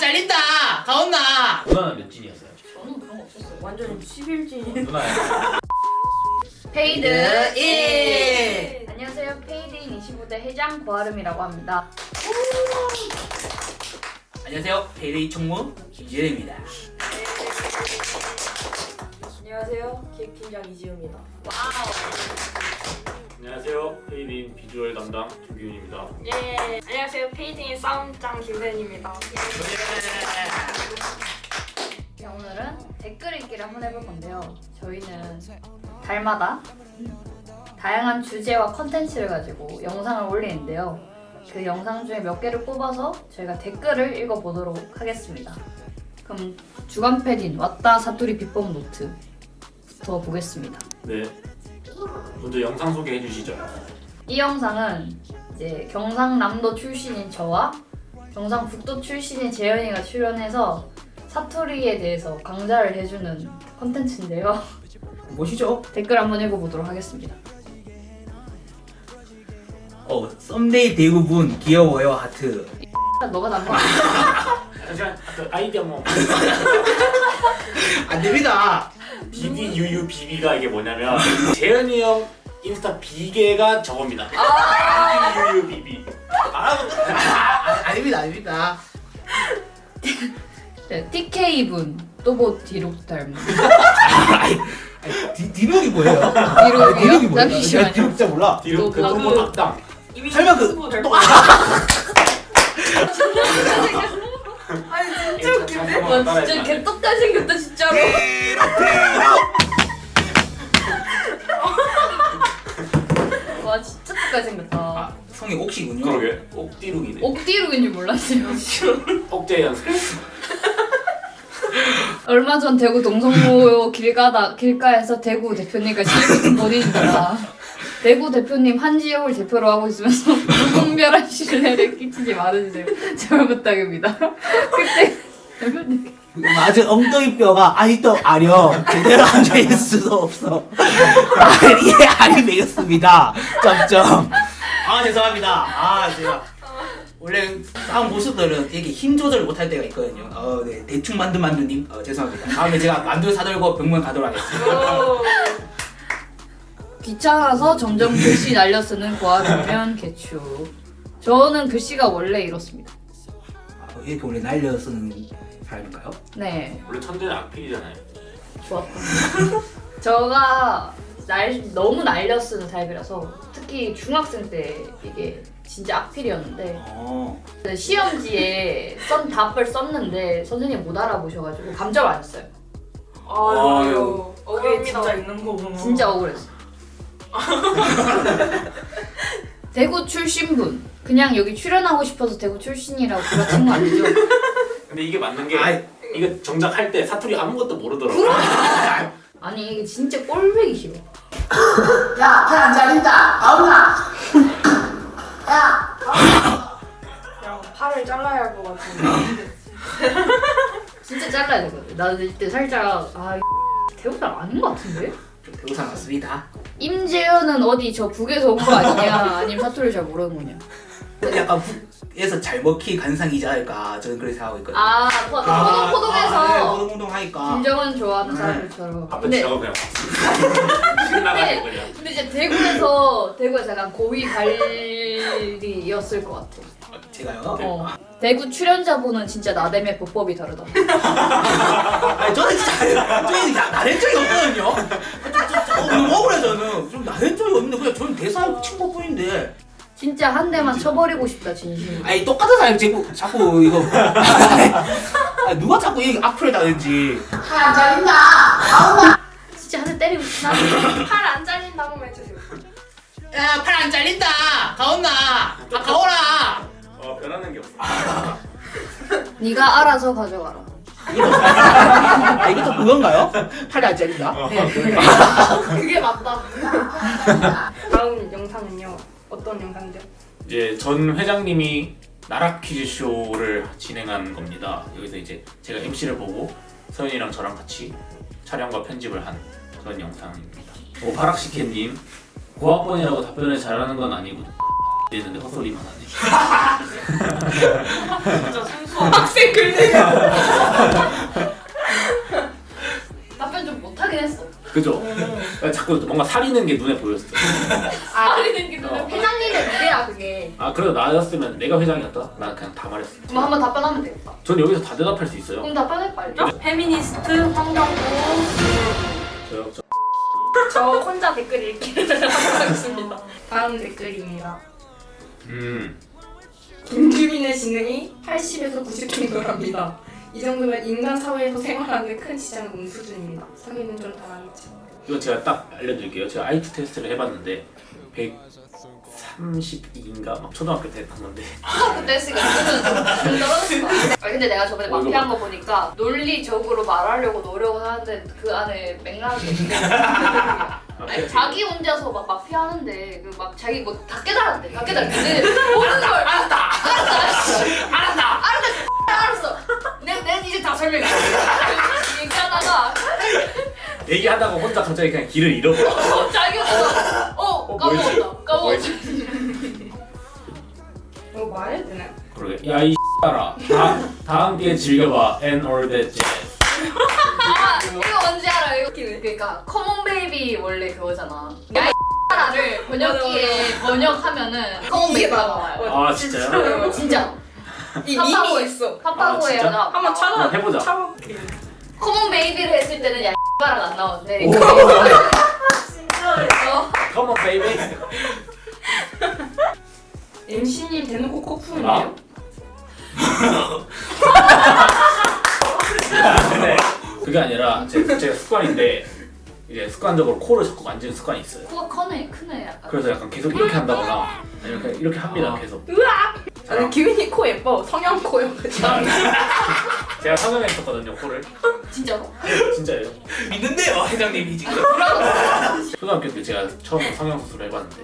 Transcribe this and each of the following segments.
잘린다. 가온나. 누나는 몇 진이었어요? 저는 그런 거 없었어요. 완전 11진. 누나 페이드 1. 안녕하세요. 페이드인 25대 회장 고아름이라고 합니다. 안녕하세요. 페이데이 총무 김지현입니다. 안녕하세요. 기획팀장 이지우입니다. 안녕하세요. 페이드인 비주얼 담당 김규윤입니다. 예. 안녕하세요. 페이딩의 싸움장 김세현입니다. 네, 오늘은 댓글 읽기를 한번 해볼 건데요. 저희는 달마다 다양한 주제와 컨텐츠를 가지고 영상을 올리는데요. 그 영상 중에 몇 개를 뽑아서 저희가 댓글을 읽어보도록 하겠습니다. 그럼 주간 패딘 왔다 사투리 비법 노트부터 보겠습니다. 네. 먼저 영상 소개해 주시죠. 이 영상은 이제 경상남도 출신인 저와 경상북도 출신인 재현이가 출연해서 사투리에 대해서 강좌를 해주는 컨텐츠인데요. 보시죠. 댓글 한번 읽어보도록 하겠습니다. 썸데이 대구분 귀여워요 하트. 너가 난 거 아니야? 잠시만, 그 아이디어 뭐 안 됩니다. BBUUBB가 이게 뭐냐면 재현이 형 인스타 비계가 저겁니다. BBUUBB. 아닙니다, 아닙니다. 네, TK분 또보 뒤로 닮은 디록이 뭐예요? 디록이요? 잠시만요. 진짜 몰라. 뒤로 또 그 그- 또보 닭당. 이미 설마 그- 유튜브 될 또- 거야. 아니 진짜 웃긴데? 와 진짜 개떡잘 생겼다 진짜로. 와 진짜 똑잘 생겼다. 아, 성이 옥시군요. 그러게. 옥디룩이네. 옥디룩인 줄 몰랐어요. 옥재 연습. 얼마 전 대구 동성로 길가에서 대구 대표님과 실붙은 본인입니다. 대구 대표님 한 지역을 대표로 하고 있으면서 무분별한 신뢰를 끼치지 말아주세요. 제발 부탁입니다. 그때 대표님 맞은 엉덩이 뼈가 아직도 아려 제대로 앉아있을 수도 없어. 다리에 알이 매겼습니다. 점점. 아 죄송합니다. 아 제가 원래 싸움 보수들은 이렇게 힘 조절을 못할 때가 있거든요. 네 대충 만두님 죄송합니다. 다음에 제가 만두 사들고 병원 가도록 하겠습니다. 귀찮아서 점점 글씨 날려 쓰는 고아르면 개추. 저는 글씨가 원래 이렇습니다. 이렇게 원래 날려 쓰는 사람인가요? 네, 원래 천재는 악필이잖아요. 좋았다. 저가 너무 날려 쓰는 타입이라서 특히 중학생 때 이게 진짜 악필이었는데 시험지에 쓴 답을 썼는데 선생님 못 알아보셔가지고 감점 안 했어요. 아유. 그게 억울합니다. 진짜 있는 거구나. 진짜 억울했어. 대구 출신분 그냥 여기 출연하고 싶어서 대구 출신이라고 그러친 거 아니죠? 근데 이게 맞는 게 아이. 이거 정작 할 때 사투리 아무것도 모르더라고. 아니 이게 진짜 꼴보기 싫어. 야, 팔안 잘린다. 가오나. 야. 그냥 팔을 잘라야 할 것 같은데. 진짜 잘라야 되거든. 나는 이때 살짝 대구 사람 아닌 것 같은데? 대구산 맞습니다. 임재현은 어디 저 북에서 온 거 아니냐? 아니면 사투리를 잘 모르는 거냐? 약간 북에서 잘 먹힐 간상이지 않을까 저는 그렇게 생각하고 있거든요. 포동포동해서 포동포동 하니까. 김정은 좋아하는 사람들처럼. 앞에 근데 지나고 그냥 나가는 거냐. 근데 이제 대구에서 약간 고위 관리였을 것 같아. 제가요? 대구 출연자분은 진짜 나댐의 보법이 다르다. 아니 저는 진짜 저는 나댄 적이 없거든요. 너무 억울해 저는. 좀 나댄 적이 없는데 그냥 저는 대사 친 것뿐인데. 진짜 한 대만 쳐버리고 싶다 진심. 아니 똑같은 사람이 자꾸 이거 아니, 누가 자꾸 이 악플을 다는지. 팔안 잘린다. 진짜 한 대 때리고 싶나? 팔안 잘린다고 해주세요. 야 팔 안 잘린다. 가온나. 가오라. 변하는 게 없어. 네가 알아서 가져가라. 이것도 그건가요? 팔이 안 잘린다. 그게 맞다. 다음 영상은요. 어떤 영상이죠? 이제 전 회장님이 나락 퀴즈 쇼를 진행한 겁니다. 여기서 이제 제가 MC를 보고 서윤이랑 저랑 같이 촬영과 편집을 한 그런 영상입니다. 오파락시켓님 고학번이라고 답변을 잘하는 건 아니거든. 했는데 헛소리만 하네. 진짜 순수한 학생 글들. 답변 좀 못하긴 했어. 그죠? 자꾸 뭔가 사리는 게 눈에 보였어. 사리는 게 어. 회장님의 무게야 그게. 아 그래도 나였으면 내가 회장이었다? 난 그냥 다 말했어. 그럼 한번 답변하면 되겠다. 전 여기서 다 대답할 수 있어요. 그럼 답변해 빨리. 페미니스트 황정구. 저요. 저 혼자 댓글 읽기를 하겠습니다. 다음 댓글입니다. 김규민의 지능이 80에서 90 정도랍니다. 이 정도면 인간 사회에서 생활하는데 큰 지장은 없는 수준입니다. 사귀는 좀 당하겠지. 이거 제가 딱 알려드릴게요. 제가 IQ 테스트를 해봤는데 132인가 막 초등학교 때 했는데 그때 했으니까 좀 떨어졌을 것 같아. 근데 내가 저번에 마피아한 거 보니까 논리적으로 말하려고 노력을 하는데 그 안에 맥락이 있는데 아니, 자기 혼자서 막 마피아하는데 그 막 자기 뭐 다 깨달았대. 다 깨달았대. 모든 걸 알았다. 알았어. 내가 이제 다 설명해. 얘기하다가 얘기하다가 혼자 갑자기 그냥 길을 잃어버려. 자기 혼자 까먹었다. 이거 말해도 되나? 그러게. 야이 X발아. 다 함께 즐겨봐. And all that jazz. 아 이거 뭔지 알아? 이거 그러니까 커먼 베이비 원래 그거잖아. 야이 를 번역기에 번역하면은 커먼 베이비가 나와요. 아 진짜요? 진짜. 이미 있어. 파파고에 진짜? 나 한번 해보자. 찾아볼게요. 커먼 베이비를 했을 때는 야이 안 나오는데 Come on baby. MC님 대놓고 코 아? 푸는데요? 근데 그게 아니라 제가 습관인데 이제 습관적으로 코를 자꾸 만지는 습관이 있어요. 코가 크네 약간. 그래서 약간 계속 이렇게 한다거나 아니면 그냥 이렇게 합니다 계속. 으악! 아니 규민이 코 예뻐. 성형 코요. 제가 성형했었거든요 코를. 진짜로? 진짜예요. 믿는데요 회장님이 지금. 초등학교 때 제가 처음 성형 수술을 해봤는데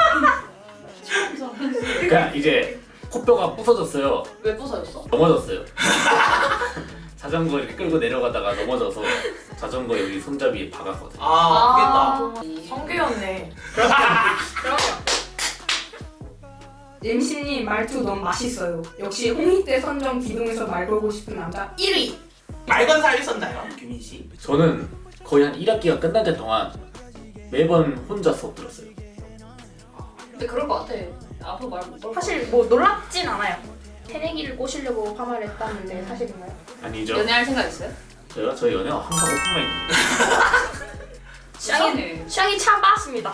그러니까 이제 코뼈가 부서졌어요. 왜 부서졌어? 넘어졌어요. 자전거 이렇게 끌고 내려가다가 넘어져서 자전거 여기 손잡이에 박았거든요. 아 아프겠다. 성규였네. 그러면 MC님 말투 너무 맛있어요. 역시 홍익대 선정 기동에서 말 걸고 싶은 남자 1위. 말건사 있었나요 규민 씨? 저는 거의 한 1학기가 끝날 때 동안 매번 혼자 수업 들었어요. 근데 그럴 것 같아. 앞으로 말못 걸. 사실 뭐 놀랍진 않아요. 새내기를 꼬시려고 파마를 했다는데 사실인가요? 아니죠? 연애할 생각 있어요? 저희 연애가 항상 오픈마인드입니다. 짱이네. 샹이 참 빠습니다.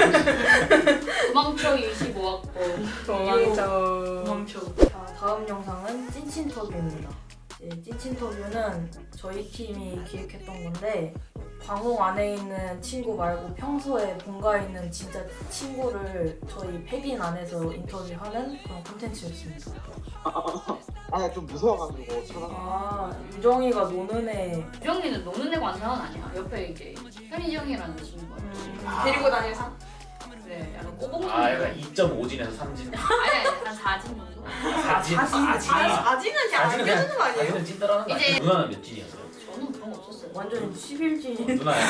도망쳐 25학번. 도망쳐. 자, 다음 영상은 찐친터뷰입니다. 찐친터뷰는 저희 팀이 기획했던 건데 광옥 안에 있는 친구 말고 평소에 본가에 있는 진짜 친구를 저희 패빈 안에서 인터뷰하는 그런 콘텐츠였습니다. 아니 좀 무서워가지고 차가 아, 유정이가 노는 애 유정이는 노는 애가 완전한 아니야. 옆에 이제 현희정이라는 친구가. 데리고 다니는 사. 네, 약간 꼬봉. 아 약간 2.5진에서 3진. 아니 한 4진 정도. 4진. 아직은 그냥 안 껴주는 거 아니에요? 4진은 찐따라는 거 아니에요? 누나는 몇 진이었어요? 저는 그런 거 없었어요. 완전 11진 누나야.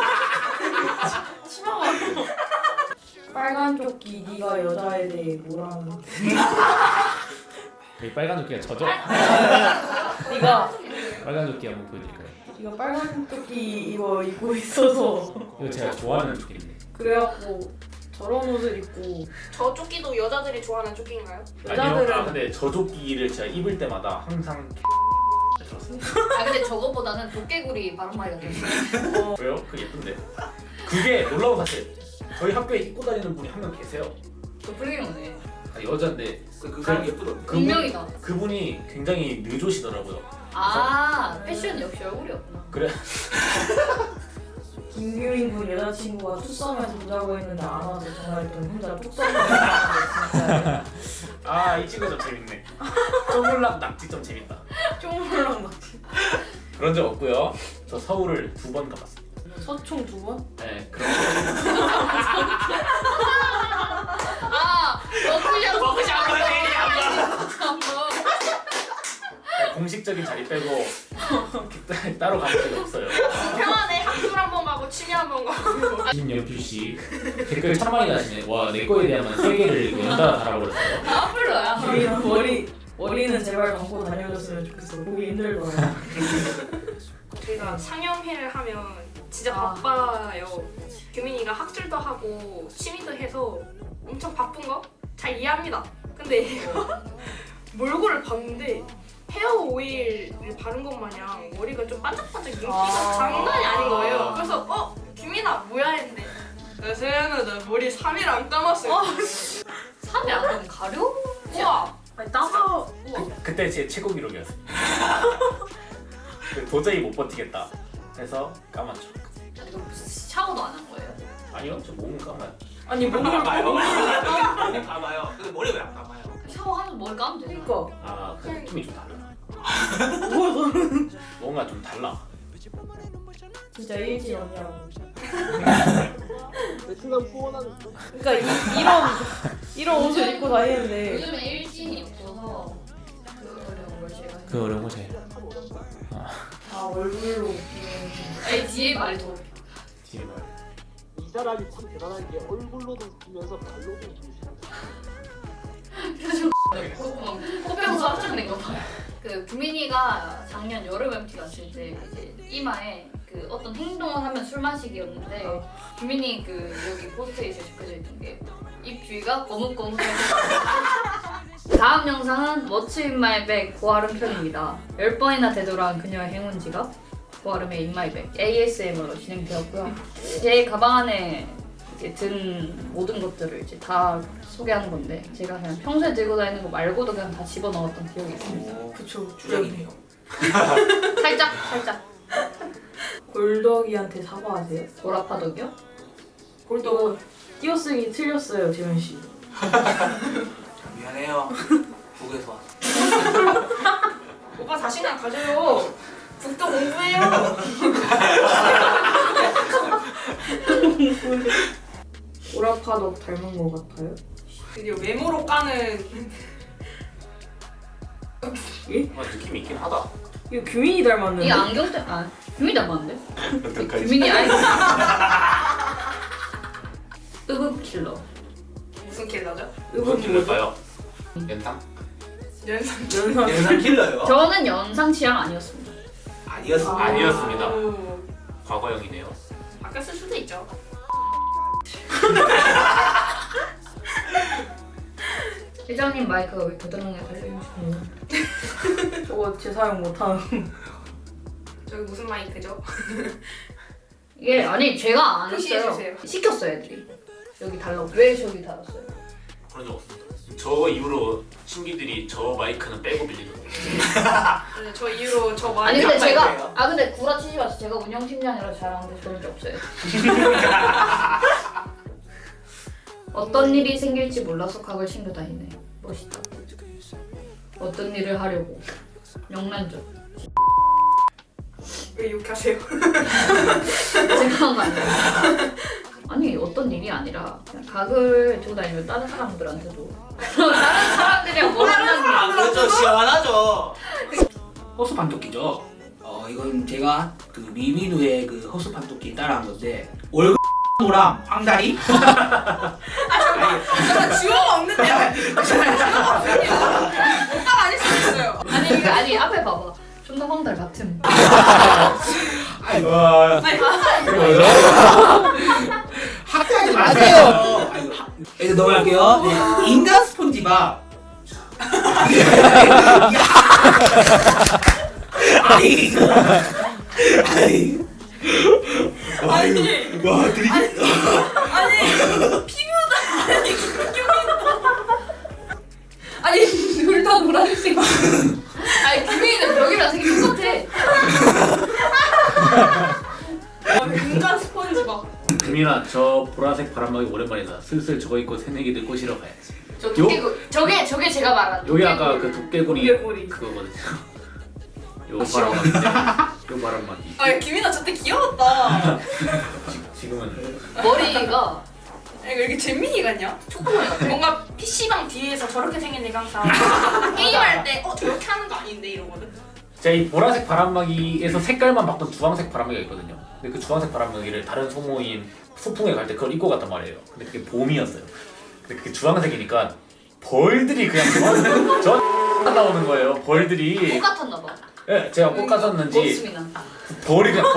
빨간 조끼 네가 여자에 대해 뭐라는 여기 빨간 조끼가 저죠? 네가 빨간 조끼 한번 보여드릴까요? 네가 빨간 조끼 이거 입고 있어서 이거 제가 좋아하는 조끼인데. 그래갖고 저런 옷을 입고 저 조끼도 여자들이 좋아하는 조끼인가요? 여자들은 아니요. 근데 저 조끼를 제가 입을 때마다 항상 들었어요. 아 근데 저거보다는 도깨구리 바람막이가 더 있어요. 왜요? 그게 예쁜데. 그게 놀라운 사실. 저희 학교에 입고 다니는 분이 한 명 계세요. 저 불기명네. 아, 여자인데 그 사람 예쁘던데. 분명이다. 그분이 굉장히 늦으시더라고요. 아 패션 역시 얼굴이었구나. 그래. 김규민 군 여자친구가 투썸에서 보자고 했는데 안 와서 전화했더니 혼자 툭썸을 진짜 아 이 친구 좀 재밌네. 쪼물락 낙지 좀 재밌다. 쪼물랑 막 그런 적 없고요. 저 서울을 2번 가봤습니다. 서총 2번? 네 그런 아, 너 틀렸어. 먹고 싶은 거. 공식적인 자리 빼고 따로 가본 적이 없어요. 평안에 학술 한번 가고 취미 한번 가고. 김연필 씨 댓글 참 많이 다시네. 와, 내 거에 대한 3개를 연달아 달아버렸어요. 아플러야. 머리는 제발 감고 다녀줬으면 좋겠어. 보기 힘들더라. 저희가 상영회를 하면 진짜 바빠요. 규민이가 학술도 하고 취미도 해서 엄청 바쁜 거 잘 이해합니다. 근데 몰골을 봤는데 헤어 오일을 바른 것 마냥 머리가 좀 반짝반짝 윤기가 장난이 아닌 거예요. 그래서 규민아 뭐야 했는데 세연아 나 머리 3일 안 감았어요. 3일 안 되면 가려? 우와 아니 따서 그때 제 최고 기록이었어요. 도저히 못 버티겠다 해서 감았죠. 샤워도 안 한 거예요? 아니요, 저 몸은 감아요. 아니 몸을 감아요. 머리 감아요. 근데 머리 왜 안 감아요? 샤워하면서 머리 감으면 되잖아. 그니까 아, 그 느낌이 좀 달라. 뭔가 좀 달라. 진짜 일진언니라고. 베트남 후원하는 그러니까 이런 옷을 입고 다니는데 요즘에 일진이 없어서 그 어려운 걸 제가 그 어려운 거 제일. 다 얼굴로 아니 뒤에 말이 더 뒤에 말. 이 사람이 참 대단한 게 얼굴로도 웃기면서 발로도 웃기시고 코병수 합쳐낸 거 봐. 그 규민이가 작년 여름 MT 갔을 때 이제 이마에 그 어떤 행동을 하면 술 마시기였는데 규민이 그 여기 포스트잇에 적혀져 있던 게 입 주위가 거뭇거뭇해서 다음 영상은 What's in my bag 고아름 편입니다. 10번이나 되돌아온 그녀의 행운 지갑 고아름의 In my bag ASMR로 진행되었고요. 제 가방 안에 이제 든 모든 것들을 이제 다 소개하는 건데 제가 그냥 평소에 들고 다니는 거 말고도 그냥 다 집어넣었던 기억이 있습니다. 그쵸 주력이네요. 살짝 골덕이한테 사과하세요. 보라파덕이요? 골덕 띄어쓰기 틀렸어요 재현 씨. 미안해요. 북에서 왔어. 오빠 자신감 가져요. 북도 공부해요. 보라파덕 닮은 것 같아요. 드디어 메모로 까는 느낌이 있긴 하다. 이거 규민이 닮았는데. 이 안경 때문에 규민이 닮았는데? 어떡하지? 규민이 아니 으브킬러 무슨 킬러죠? 무슨 길일까요? 연상? 연상. 연상. 연상 킬러요? 저는 연상 취향 아니었습니다. 아니었어. 아니었습니다. 오, 과거형이네요. 바뀌었을 수도 있죠. 회장님 마이크가 왜 겨드랑이에 달려있는 저거 재사용 못하는. 저기 무슨 마이크죠? 이게 아니 제가 안 표시해주세요. 했어요. 시켰어요 애들이. 여기 달라고. 왜 저기 달았어요? 그런 적 없습니다. 저 이후로 신기들이 저 마이크는 빼고 빌리더라고요. 네, 저 이후로 저 아니 마이크 근데 마이크예요? 제가 근데 구라치지 마세요. 제가 운영팀장이라 잘하는데 그런 적 없어요. 어떤 일이 생길지 몰라서 각을 챙겨 다니네. 멋있다. 어떤 일을 하려고. 영란적. 왜 욕하세요? 제가 한 거 아니에요. 아니 어떤 일이 아니라 그냥 각을 들고 다니면 다른 사람들한테도 다른 사람들이랑 뭐 하는 게 아, 그렇죠. 시원하죠. 호수 판토끼죠. 이건 제가 그 미미누의 그 호수 판토끼 따라한 건데 월급 노랑 황다리. 저는 주어가 없는데요. 주어가 없는데요. 오빠가 아닐 수도 있어요. 아니 앞에 봐봐. 존나 황달 같은. 와, 학교하지 마세요. 이거 넘어갈게요. 네. 인간 스폰지밥. 아이고. 아이고. 아니, 와, 드리기. 아니, 피부다. 아니, 아니, 둘 다 노란색. 아니 규민이는 벽이랑 생긴 것 같아. 인간 스펀지밥. 금이나 저 보라색 바람막이 오랜만이다. 슬슬 저거 입고 새내기들 꼬시러 가야지. 저 도깨구리. 저게 제가 말한. 여기 아까 그 도깨구리 도깨구리. 그거거든요. 요 바람막이. 요 바람막이. 아, 김이나 저때 귀여웠다. 지금은 머리가 왜 이렇게 잼민이 같냐? 초코머리 같아. 뭔가 PC방 뒤에서 저렇게 생긴 애가 항상 게임할 때 저렇게 하는 거 아닌데 이러거든. 제가 이 보라색 바람막이에서 색깔만 바꾼 주황색 바람막이가 있거든요. 근데 그 주황색 바람막이를 다른 소모임 소풍에 갈 때 그걸 입고 갔단 말이에요. 근데 그게 봄이었어요. 근데 그게 주황색이니까 벌들이 그냥 저 나오는 거예요. 벌들이. 똑같았나 봐. 예, 제가 꽃 갔었는지 멋습니다. 벌이 그냥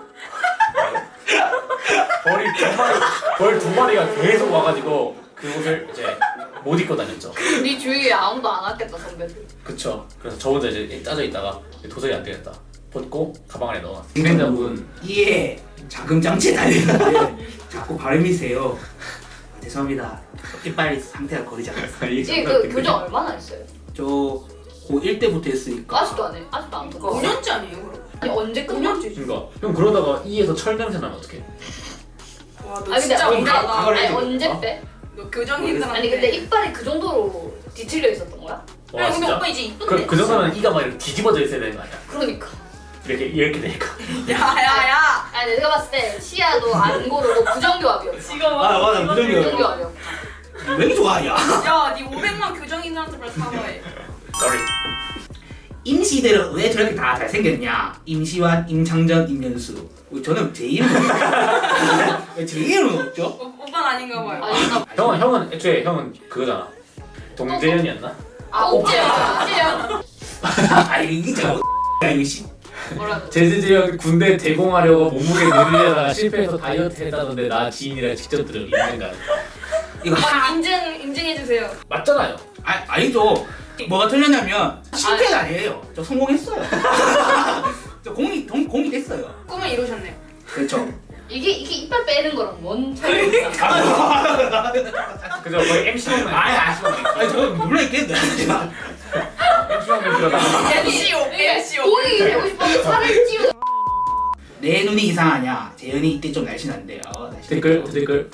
벌 두 마리가 계속 와가지고 그 옷을 이제 못 입고 다녔죠. 네 주위에 아무도 안 왔겠다 선배들. 그쵸. 그래서 저 혼자 이제 짜져 있다가 도저히 안 되겠다. 벗고 가방 안에 넣어놨어요. 진행자분 이에 자금장치 달리는데 자꾸 발음이 세요. 아, 죄송합니다. 이빨 상태가 거리지 않았어요. 이게 그 교정 얼마나 했어요? 저 고1 때부터 했으니까 아직도 안 해. 아직도 안 듣고. 5년째 아니에요 그럼? 아니 언제 끝나? 5년째지. 그러니까 형 그러다가 이에서 철 냄새 나면 어떡해? 와너 아니 근데 진짜 언제? 못하다. 그걸 아니 해도 언제 되겠다. 빼? 너 교정님들한테. 아니 근데 이빨이 그 정도로 뒤틀려 있었던 거야? 와 아니 근데 진짜. 오빠 이제 이쁜데. 그 정도면 이가 막 이렇게 뒤집어져 있어야 되는 거 아니야? 그러니까. 이렇게 되니까. 야야야. 아니 내가 봤을 때 시야도 안 고르고 부정교합이었어. 지금 아 맞아 무정이요. 부정교합이었어. 왜 좋아야? 야네 500만 교정인들한테 빨리 사과해. Sorry. 임시들은 왜 저렇게 다 잘생겼냐? 임시완, 임창전, 임연수. 저는 제 이름은 왜 제 이름은 없죠? 오빠는 아닌가 봐요. 아니 형은 애초에 형은 그거잖아. 동재현이었나? 아 옥재야. 아이 이게 제가 이거 씨. 뭐라고? 제재재현 군대 대공하려고 몸무게 늘리려다가 실패해서 다이어트 했다던데 나 지인이랑 직접 들은 있는가? 이거 오빠 인증해 주세요. 맞잖아요. 아니죠. 뭐가 틀렸냐면 실패는 아니에요. 저 성공했어요. 저 공이 됐어요. 꿈을 이루셨네요. 그렇죠. 이게 이빨 빼는 거랑 뭔 차이가 있어? 그죠? 거의 MC만 아니 저 놀라겠네. MC만 들어가. MCO. 공이 되고 싶어서 살을 찌우. 내 눈이 이상하냐? 재현이 이때 좀 날씬한데. 날씬. 댓글.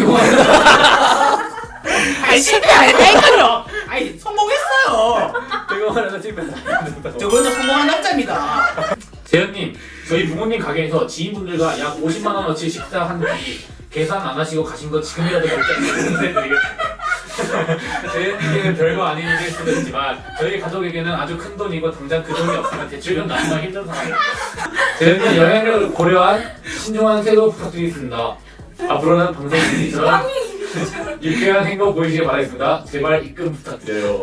아니 실패 안 했다니까요. 아니 성공했어요. 대공하려다 실패. 저 먼저 성공한 남자입니다. 재현님, 저희 부모님 가게에서 지인분들과 약 50만 원어치 식사한 뒤 계산 안 하시고 가신 거 지금이라도 결제해드리겠습니다. 재현님께는 별거 아닌 일일 수도 있지만 저희 가족에게는 아주 큰 돈이고 당장 그 돈이 없으면 대출금 나기가 힘든 상황입니다. 재현님 여행을 고려한 신중한 태도 부탁드리겠습니다. 앞으로는 방송인들처럼 유쾌한 행보 보이시길 바라겠습니다. 제발 입금 부탁드려요.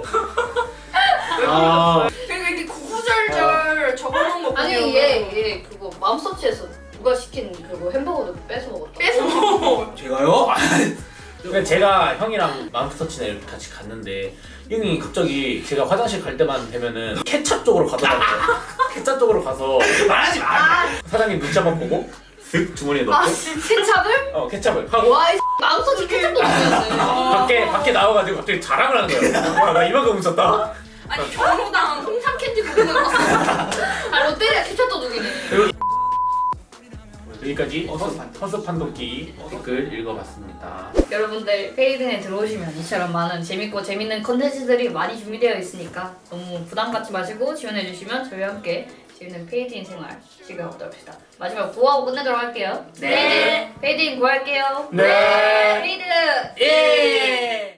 그리고 이렇게 구구절절 적어놓은 거 아니 보면 얘 그거 맘서치에서 누가 시킨 그거 햄버거도 뺏어 먹었다. 뺏어 먹어. 제가요? 근데 제가 형이랑 맘스터치나 이렇게 같이 갔는데 형이 갑자기 제가 화장실 갈 때만 되면은 케찹 쪽으로 가더라고요. 케찹 쪽으로 가서 말하지 마. 사장님 눈치 한번 보고 쓱 주머니에 넣고 케찹을? 케찹을 하고 와, 이 맘서치 케찹도 먹었네. 밖에 나와가지고 갑자기 자랑을 하는 거예요. 와, 나 이만큼 훔쳤다. 아니 경로당 홍삼 캔디 누르는 거. 아, 롯데리아 케찹도 누기네. 여기까지 허스 판독기 댓글 읽어봤습니다. 여러분들 페이든에 들어오시면 이처럼 많은 재밌고 재밌는 컨텐츠들이 많이 준비되어 있으니까 너무 부담 갖지 마시고 지원해주시면 저희와 함께 재밌는 페이드인 생활 즐겨보도록 합시다. 마지막 구하고 끝내도록 할게요. 네. 페이드인 구할게요. 네. 페이드! 예.